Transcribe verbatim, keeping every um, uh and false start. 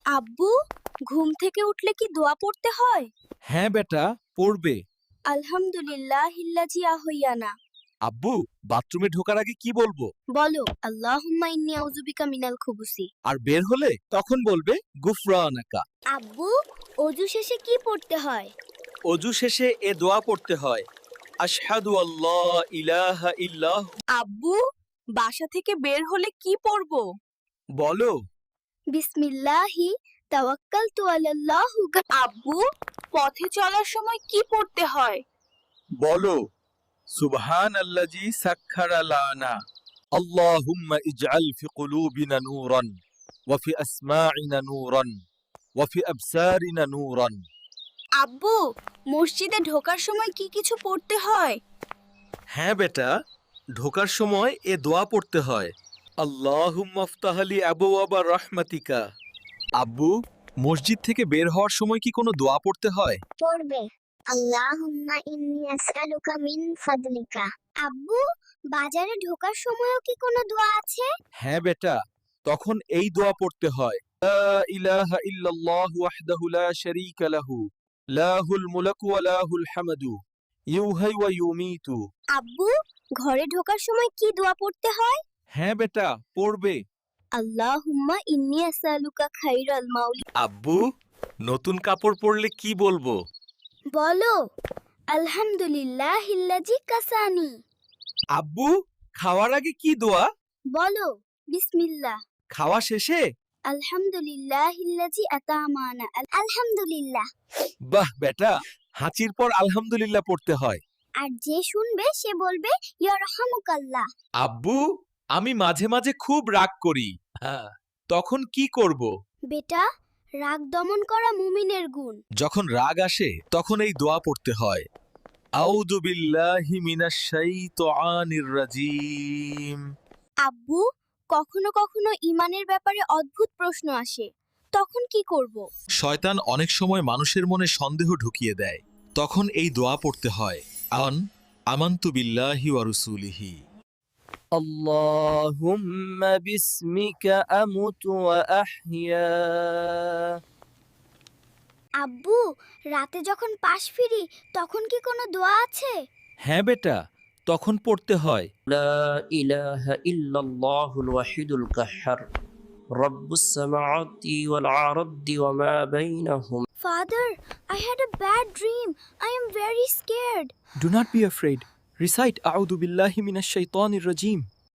আব্বু, ঘুম থেকে উঠলে কি দোয়া পড়তে হয়? হ্যাঁ বেটা, পড়বে। আলহামদুলিল্লাহ হিল্লাজি আহইয়ানা। আব্বু, বাথরুমে ঢোকার আগে কি বলবো? বলো আল্লাহুম্মা ইন্নী আউযুবিকা মিনাল খুবুসি। আর বের হলে তখন বলবে গুফরানাকা। আব্বু, অজু শেষে কি পড়তে হয়? অজু শেষে এ দোয়া পড়তে হয়, আশহাদু আল্লাহ ইলাহা ইল্লাহ। আব্বু, বাসা থেকে বের হলে কি পড়বো? বলো। বিসমিল্লাহি তাওয়াক্কালতু আলাল্লাহ। আব্বু, পথে চলার সময় কি পড়তে হয়? বলো, সুবহানাল্লাযী সাখখারা লানা, আল্লাহুম্মা ইজআল ফি কুলুবিনা নূরান ওয়া ফি আসমাইনা নূরান ওয়া ফি আবসারিনা নূরান। আব্বু, মসজিদে ঢোকার সময় কি কিছু পড়তে হয়? হ্যাঁ বেটা, ঢোকার সময় এ দোয়া পড়তে হয়, আল্লাহুম্মা আফতাহলি আবওয়াবা রাহমাতিকা। আব্বু, মসজিদ থেকে বের হওয়ার সময় কি কোনো দোয়া পড়তে হয়? পড়বে আল্লাহুম্মা ইন্নী আসআলুকা মিন ফাদলিকা। আব্বু, বাজারে ঢোকার সময়ও কি কোনো দোয়া আছে? হ্যাঁ বেটা, তখন এই দোয়া পড়তে হয়, লা ইলাহা ইল্লাল্লাহু ওয়াহদাহু লা শারীকা লাহু, লাহুল মুলকু ওয়া লাহুল হামদু, ইউহয়ি ওয়া ইউমীতু। আব্বু, ঘরে ঢোকার সময় কি দোয়া পড়তে হয়? হ্যাঁ বেটা, পড়বে। আল্লাহুম্মা ইন্নী আসআলুকা খাইরাল মাউলি। আব্বু, নতুন কাপড় পরলে কি বলবো? বলো আলহামদুলিল্লাহ হিল্লাজি কাসানি। আব্বু, খাওয়ার আগে কি দোয়া? বলো বিসমিল্লাহ। খাওয়া শেষে? আলহামদুলিল্লাহ হিল্লাজি আতামানা। আলহামদুলিল্লাহ। বাহ বেটা, হাঁচির পর আলহামদুলিল্লাহ পড়তে হয়। আর যে শুনবে সে বলবে ইয়ারহামুকাল্লাহ। আব্বু, আমি মাঝে মাঝে খুব রাগ করি, হ্যাঁ, তখন কি করব? বেটা, রাগ দমন করা মুমিনের গুণ। যখন রাগ আসে তখন এই দোয়া পড়তে হয়, আউযু বিল্লাহি মিনাশ শাইতানির রাজীম। আব্বু, কখনো কখনো ইমানের ব্যাপারে অদ্ভুত প্রশ্ন আসে, তখন কি করব? শয়তান অনেক সময় মানুষের মনে সন্দেহ ঢুকিয়ে দেয়, তখন এই দোয়া পড়তে হয়, আন আমানতু বিল্লাহি ওয়া রাসূলিহি। اللهم باسمك أمت وأحيا। আব্বু, রাতে যখন পাশ ফিরি তখন কি কোনো দোয়া আছে? হ্যাঁ বেটা, তখন পড়তে হয়, لا إله إلا الله الوحيد القهار رب السماوات والأرض وما بينهما. Father, I had a bad dream. I am very scared. Do not be afraid. Recite আউযু বিল্লাহি মিনাশ শাইতানির রাজীম.